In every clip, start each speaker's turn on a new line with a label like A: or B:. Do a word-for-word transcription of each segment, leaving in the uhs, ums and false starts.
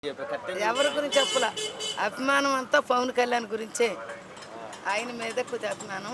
A: ఎవరి గురించి చెప్పలా, అభిమానం అంతా పవన్ కళ్యాణ్ గురించే. ఆయన మీద కొద్దిగా అభిమానం.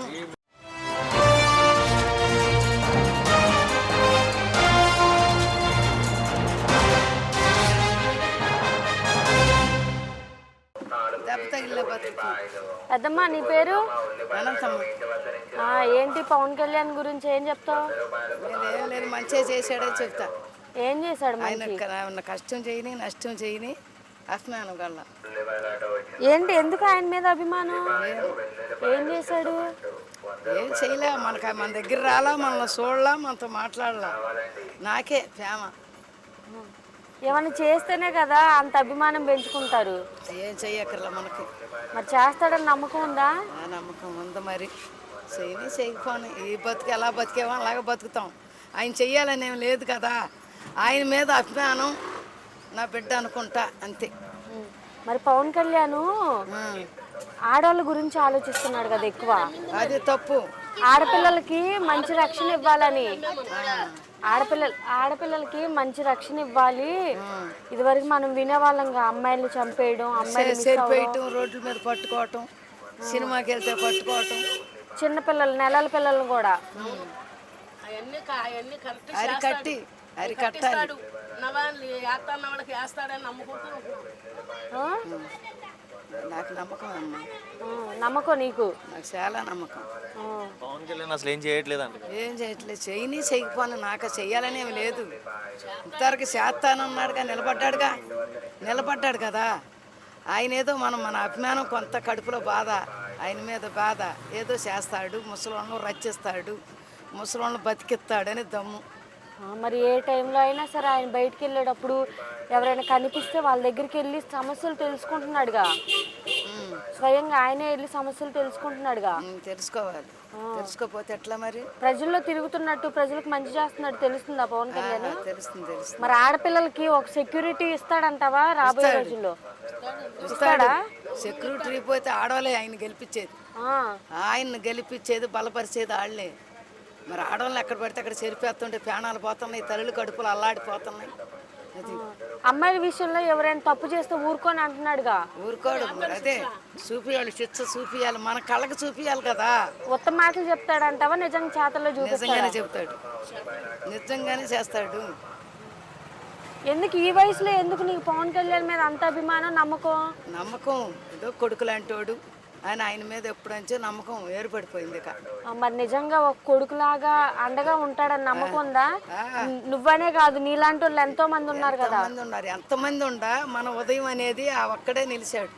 A: దెబ్బ తగిలిన బతుకు.
B: అదమ్మా నీ పేరు?
A: అనంతమ్మ.
B: ఏంటి పవన్ కళ్యాణ్ గురించి ఏం చెప్తావు?
A: ఏం లేదు, మంచిగా చేశాడని చెప్తా.
B: ఏం చేశాడు?
A: ఆయన కష్టం చేయని నష్టం చేయని అభిమానం కల్లా.
B: ఏంటి ఎందుకు ఆయన మీద అభిమానం? ఏం చేశాడు?
A: ఏం చేయలే, మనకు మన దగ్గర రాలా, మనల్ని చూడలా, మనతో మాట్లాడలా. నాకే ప్రేమ.
B: ఏమన్నా చేస్తేనే కదా అంత అభిమానం పెంచుకుంటారు.
A: ఏం చెయ్యక్కర్లా మనకి.
B: మరి చేస్తాడని నమ్మకం ఉందా?
A: నమ్మకం ఉంది. మరి చేయని చేయకపోని ఈ బతుకు ఎలా బతికేమో అలాగే బతుకుతాం. ఆయన చెయ్యాలని ఏం లేదు కదా. ఆయన మీద అభిమానం, నా బిడ్డ అనుకుంటా, అంతే.
B: మరి పవన్ కళ్యాణ్ ఆడవాళ్ళ గురించి ఆలోచిస్తున్నాడు కదా ఎక్కువ.
A: అది తప్పు.
B: ఆడపిల్లలకి మంచి రక్షణ ఇవ్వాలని, ఆడపిల్లలు ఆడపిల్లలకి మంచి రక్షణ ఇవ్వాలి. ఇదివరకు మనం వినేవాళ్ళంగా అమ్మాయిలు చంపేయడం, అమ్మాయిలు
A: రోడ్ల మీద పట్టుకోవటం, సినిమాకి వెళ్తే పట్టుకోవటం,
B: చిన్నపిల్లలు నెలల పిల్లలను కూడా
A: అరికట్టి అరికట్టాలి. నాకు నమ్మకం అమ్మా.
B: నమ్మకం నీకు?
A: నాకు చాలా నమ్మకం.
C: పవన్ కళ్యాణ్ అసలు ఏం చేయట్లేదు అంటే
A: ఏం చేయట్లేదు. చేయని చేయకపోను నాకు చెయ్యాలని ఏమి లేదు. ఇంతవరకు చేస్తానన్నాడుగా, నిలబడ్డాడుగా, నిలబడ్డాడు కదా. ఆయన ఏదో మనం మన అభిమానం కొంత కడుపులో బాధ, ఆయన మీద బాధ. ఏదో చేస్తాడు, ముసలోళ్ళను రచ్చిస్తాడు, ముసలోళ్ళను బతికిస్తాడని దమ్ము.
B: మరి ఏ టైంలో అయినా సరే ఆయన బయటికి వెళ్ళేటప్పుడు ఎవరైనా కనిపిస్తే వాళ్ళ దగ్గరికి వెళ్ళి సమస్యలు తెలుసుకుంటున్నాడుగా. స్వయంగా ఆయనే వెళ్ళి సమస్యలు తెలుసుకుంటున్నాడుగా.
A: తెలుసుకోవాలి. తెలుసుకోపోతే ఎట్లా? మరి
B: ప్రజల్లో తిరుగుతున్నట్టు ప్రజలకు మంచి చేస్తున్నట్టు తెలుస్తుందా పవన్ కళ్యాణ్?
A: తెలుస్తుంది, తెలుస్తుంది.
B: మరి ఆడపిల్లలకి ఒక సెక్యూరిటీ ఇస్తాడంటావా రాబోయే రోజుల్లో?
A: ఇస్తాడా? సెక్యూరిటీ పోతే ఆడవాళ్ళే ఆయన గెలిపించేది. ఆయన్ని గెలిపించేది, బలపరిచేది వాళ్ళే. మరి ఆడవాళ్ళు ఎక్కడ పడితే అక్కడ చెరిపేస్తుంటే ప్రాణాలు పోతున్నాయి, తల్లులు కడుపులు అల్లాడిపోతున్నాయి. అది
B: అమ్మాయిల విషయంలో ఎవరైనా తప్పు చేస్తే ఊరుకొని అంటున్నాడుగా.
A: ఊరుకోడు. మరి అదే చూపియాలి, శిక్ష చూపియాలి, మన కళ్ళకి చూపియాలి కదా.
B: ఉత్తమ మాటలు చెప్తాడంటావా నిజంగా చేతల్లో చూపిస్తాడా?
A: నిజంగానే చెప్తాడు, నిజంగానే చేస్తాడు.
B: ఎందుకు ఈ వయసులో ఎందుకు నీకు పవన్ కళ్యాణ్ మీద అంత అభిమానం, నమ్మకం?
A: నమ్మకం ఏదో కొడుకు లాంటోడు ఆయన, ఆయన మీద ఎప్పుడంచో నమ్మకం ఏర్పడిపోయింది.
B: మరి నిజంగా ఒక కొడుకులాగా అండగా ఉంటాడని నమ్మకం ఉందా? నువ్వనే కాదు, నీలాంటి వాళ్ళు ఎంతో మంది ఉన్నారు కదా.
A: ఉన్నారు, ఎంతమంది ఉండా మన ఉదయం అనేది ఆ ఒక్కడే నిలిచాడు.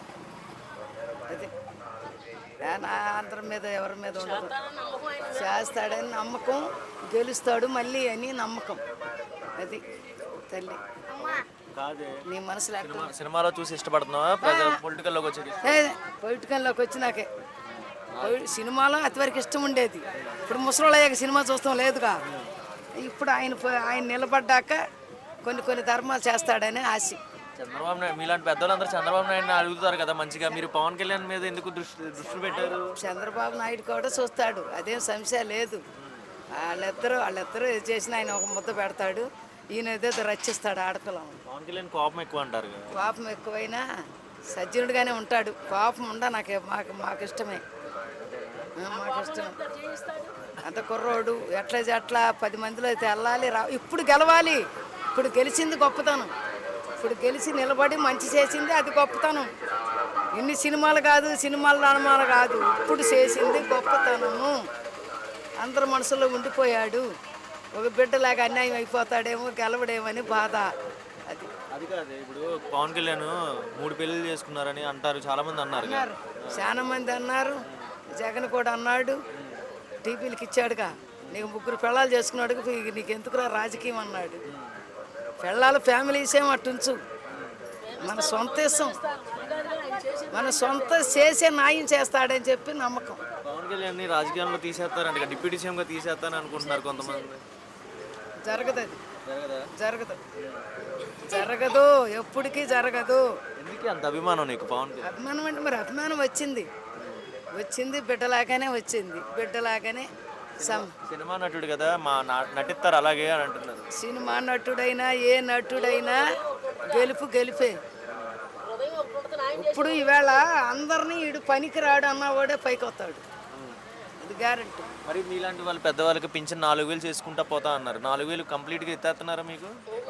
A: అది అందరి మీద ఎవరి మీద ఉండదు. చేస్తాడని నమ్మకం, గెలుస్తాడు మళ్ళీ అని నమ్మకం. అది తల్లి నీ మనసులో.
C: సినిమాలో చూసి ఇష్టపడుతున్నావా పొలిటికల్లోకి వచ్చి?
A: పొలిటికల్లోకి వచ్చి నాకే సినిమాలో అతివరకు ఇష్టం ఉండేది. ఇప్పుడు ముసలోళ్ళయ్యాక సినిమా చూస్తాం లేదుగా. ఇప్పుడు ఆయన ఆయన నిలబడ్డాక కొన్ని కొన్ని ధర్మాలు చేస్తాడని ఆశ.
C: చంద్రబాబు నాయుడు మీలాంటి పెద్దవాళ్ళందరూ చంద్రబాబు నాయుడు అడుగుతారు కదా మంచిగా, మీరు పవన్ కళ్యాణ్ మీద ఎందుకు దృష్టి దృష్టి పెట్టారు?
A: చంద్రబాబు నాయుడు కూడా చూస్తాడు, అదేం సమస్య లేదు. వాళ్ళిద్దరూ వాళ్ళిద్దరూ చేసిన ఆయన ఒక ముద్ద పెడతాడు, ఈయన ఏదో రచిస్తాడు ఆడపిల్లను.
C: పవన్ కళ్యాణ్ కోపం ఎక్కువ అంటారు.
A: కోపం ఎక్కువైనా సజ్జనుడిగానే ఉంటాడు. కోపం ఉండ నాకు మాకు మాకు ఇష్టమే, మాకు ఇష్టం. అంత కుర్రోడు ఎట్లా ఎట్లా పది మందిలో అయితే వెళ్ళాలి, రా. ఇప్పుడు గెలవాలి. ఇప్పుడు గెలిచింది గొప్పతనం. ఇప్పుడు గెలిచి నిలబడి మంచి చేసింది అది గొప్పతనం. ఇన్ని సినిమాలు కాదు, సినిమాల నాణమాలు కాదు, ఇప్పుడు చేసింది గొప్పతనము. అందరి మనసులో ఉండిపోయాడు. ఒక బిడ్డలాగా అన్యాయం అయిపోతాడేమో, గెలవడేమని బాధ. అది
C: అది కాదు. ఇప్పుడు పవన్ కళ్యాణ్ మూడు పెళ్ళిళ్ళు చేసుకున్నారని అంటారు, చాలా మంది అన్నారు.
A: చాలా మంది అన్నారు, జగన్ కూడా అన్నాడు, టీపీలకి ఇచ్చాడుగా. నీకు ముగ్గురు పెళ్ళాలు చేసుకున్నాడు, నీకు ఎందుకురా రాజకీయం అన్నాడు. పెళ్ళాలు ఫ్యామిలీస్ ఏమో అట్టుంచు, మన సొంత ఇష్టం, మన సొంత చేసే న్యాయం చేస్తాడని చెప్పి నమ్మకం.
C: పవన్ కళ్యాణ్ రాజకీయాల్లో తీసేస్తారంట, డిప్యూటీ సీఎంగా తీసేస్తారని అనుకుంటున్నారు కొంతమంది.
A: జరగదు, అది జరగదు, జరగదు, ఎప్పటికీ జరగదు.
C: ఎందుకు అంత అభిమానం నీకు పవన్?
A: అభిమానం అంటే మరి అభిమానం వచ్చింది వచ్చింది బిడ్డలాగానే వచ్చింది, బిడ్డలాగానే.
C: సినిమా నటుడు కదా, మా నటిస్తారు అలాగే అని అంటున్నారు.
A: సినిమా నటుడైనా ఏ నటుడైనా గెలుపు గెలిపే. ఇప్పుడు ఈవేళ అందరినీ ఈడు పనికి రాడు అన్నవాడే పైకి వస్తాడు, అది గ్యారెంటీ.
C: మరి మీలాంటి వాళ్ళు పెద్దవాళ్ళకి పింఛన్ నాలుగు వేలు చేసుకుంటా పోతా అన్నారు. నాలుగు వేలు కంప్లీట్గా ఎత్తేస్తున్నారా మీకు?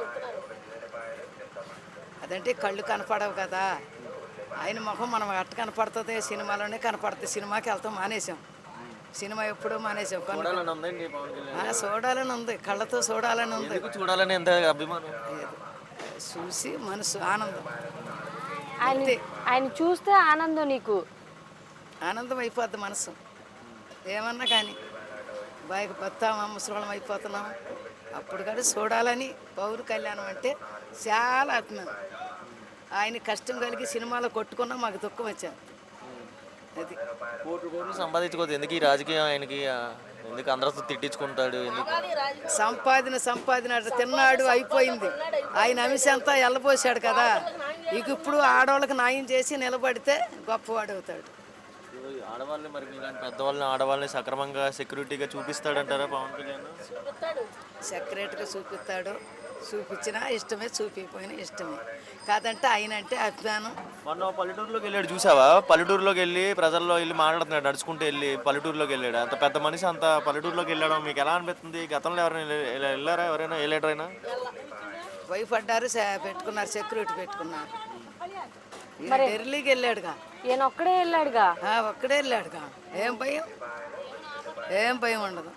A: అదంటే కళ్ళు కనపడవు కదా, ఆయన ముఖం మనం ఎట్ట కనపడుతుంది, సినిమాలోనే కనపడుతుంది. సినిమాకి వెళ్తాం మానేసాం, సినిమా ఎప్పుడూ మానేసాం. కనుక
C: చూడాలని ఉందండి పవన్ కళ్యాణ్.
A: ఆ, చూడాలని ఉంది, కళ్ళతో చూడాలని ఉంది.
C: ఎందుకు చూడాలని ఎంత అభిమానం?
A: ఏదో చూసి మనసు ఆనందం,
B: ఆయన ఆయన చూస్తే ఆనందం, నీకు
A: ఆనందం అయిపోద్ది మనసు. ఏమన్నా కానీ బాయికి బతామా ముసలోళం అయిపోతున్నాం. అప్పుడు కూడా చూడాలని పౌరు కళ్యాణం అంటే చాలా అభిమానం. ఆయన కష్టం కలిగి సినిమాలో కొట్టుకున్నా మాకు దుఃఖం వచ్చాను. అది
C: కోట్లు కోట్లు సంపాదించుకోవద్దు ఎందుకు ఈ రాజకీయం ఆయనకి? ఆ, ఎందుకు అందరితో తిట్టించుకుంటాడు ఎందుకు?
A: సంపాదన సంపాదన అట్లా తిన్నాడు, అయిపోయింది. ఆయన అంశం అంతా ఎల్లబోసాడు కదా, ఇక ఇప్పుడు ఆడవాళ్ళకి న్యాయం చేసి నిలబడితే గొప్పవాడు అవుతాడు.
C: ఆడవాళ్ళని మరి ఇలాంటి పెద్దవాళ్ళని ఆడవాళ్ళని సక్రమంగా సెక్యూరిటీగా చూపిస్తాడంటారా పవన్ కళ్యాణ్?
A: సెక్రటరీగా చూపిస్తాడు, చూపించినా ఇష్టమే, చూపించకపోయినా ఇష్టమే. కాదంటే ఆయన అంటే అభిమానం.
C: మొన్న పల్లెటూరులోకి వెళ్ళాడు చూసావా? పల్లెటూరులోకి వెళ్ళి ప్రజల్లో వెళ్ళి మాట్లాడుతున్నాడు, నడుచుకుంటూ వెళ్ళి పల్లెటూరులోకి వెళ్ళాడు. అంత పెద్ద మనిషి అంత పల్లెటూరులోకి వెళ్ళడం మీకు ఎలా అనిపిస్తుంది? గతంలో ఎవరైనా వెళ్ళ- వెళ్ళారా? ఎవరైనా వెళ్ళారైనా?
A: భయపడ్డారు, సే- పెట్టుకున్నారు, సెక్యూరిటీ పెట్టుకున్నారు. ఈయన ఢిల్లీకి వెళ్ళాడుగా,
B: ఈయన ఒక్కడే వెళ్ళాడుగా.
A: ఆ, ఒక్కడే వెళ్ళాడుగా. ఏం భయం, ఏం భయం ఉండదు.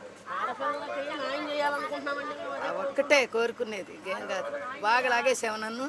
A: ఆ ఒక్కటే కోరుకునేది, ఏం కాదు. బాగా లాగేసావు నన్ను,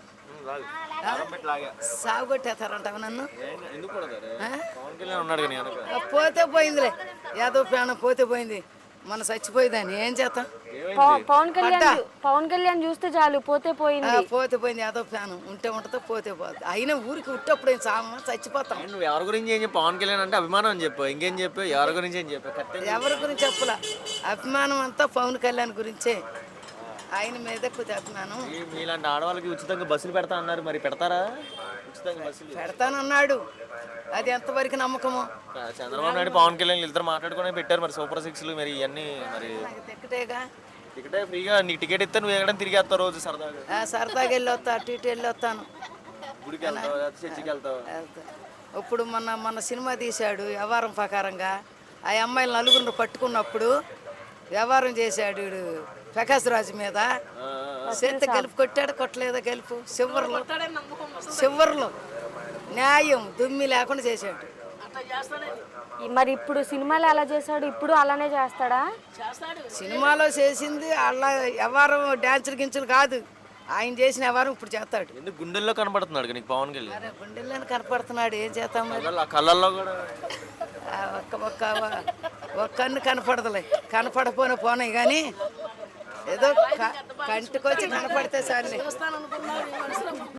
A: సాగుకొట్టేస్తారంటావు నన్ను.
C: ఎందుకు కొడతారు?
A: ఆ?
C: పవన్ కళ్యాణ్ ఉన్నాడు కానీ వెనక.
A: ఆ, పోతే పోయిందిలే, యాదో ప్రాణం పోతే పోయింది, మన చచ్చిపోయేదాన్ని ఏం చేస్తాం.
B: పవ- పవన్ కళ్యాణ్ చూ- పవన్ కళ్యాణ్ చూస్తే చాలు, పోతే
A: ఆ,
B: పోయింది.
A: పోతే పోయింది, యాదో ప్రాణం ఉంటే ఉంటుందో పోతే పోతుంది. అయినా ఊరికి ఉట్టప్పుడు ఏం సామ చచ్చిపోతాం.
C: నువ్వు ఎవరి గురించి ఏం చెప్పు? పవన్ కళ్యాణ్ అంటే అభిమానం అని చెప్పు, ఇంకేం చెప్పు? ఎవరి గురించి ఏం చెప్పు? కరెక్ట్.
A: ఎవరి గురించి చెప్పలా, అభిమానం అంతా పవన్ కళ్యాణ్ గురించే, ఆయన మీద కొద్దిగా అభిమానం.
C: ఈ- మీలాంటి ఆడవాళ్ళకి ఉచితంగా బస్సులు పెడతా అన్నారు, మరి పెడతారా ఉచితంగా బస్సులు?
A: పెడతానన్నాడు, అది ఎంతవరకు నమ్మకమో
C: చంద్రబాబు నాయుడు పవన్ కళ్యాణ్ ఇద్దరు మాట్లాడుకుని పెట్టారు మరి సూపర్ సిక్స్లు మరి ఇవన్నీ. మరి
A: నాకు తిక్కటేగా.
C: టికెట్ ఫ్రీగా, నీకు టికెట్ ఇస్తే నువ్వు ఎక్కడ తిరిగి వస్తావు రోజు సరదాగా?
A: ఆ, సరదాగా వెళ్ళి వస్తా, అటు ఇటు వెళ్ళి వస్తాను.
C: గుడికి వెళ్తావు, లేకపోతే చర్చికి వెళ్తావు?
A: వెళ్తా. ఇప్పుడు మొన్న మొన్న సినిమా తీశాడు వ్యవహారం ప్రకారంగా, ఆ అమ్మాయిలు నలుగురిని పట్టుకున్నప్పుడు వ్యవహారం చేశాడు వీడు ప్రకాశ్ రాజు మీద. చేత గెలుపు కొట్టాడు, కొట్టలేదా గెలుపు చివర్లో, చివర్లో న్యాయం దుమ్మి లేకుండా చేశాడు.
B: ఈ- మరి ఇప్పుడు సినిమాలో ఎలా చేశాడు, ఇప్పుడు అలానే చేస్తాడా?
A: సినిమాలో చేసింది అలా వ్యవహారం డ్యాన్సులు గించులు కాదు, ఆయన చేసిన వ్యవహారం ఇప్పుడు చేస్తాడు.
C: ఎందుకు గుండెల్లో కనబడుతున్నాడు నీకు పవన్ కళ్యాణ్?
A: అరే గుండెల్లోనే కనపడుతున్నాడు, ఏం చేస్తాం మరి.
C: కళ్ళల్లో- కళ్ళల్లో కూడా
A: ఆ ఒక్క ఒక్క ఒక్క కన్ను కనపడదులే, కనపడపోయిన పోనాయి కానీ ఏదో క- కంటికొచ్చి కనపడితే చాలే.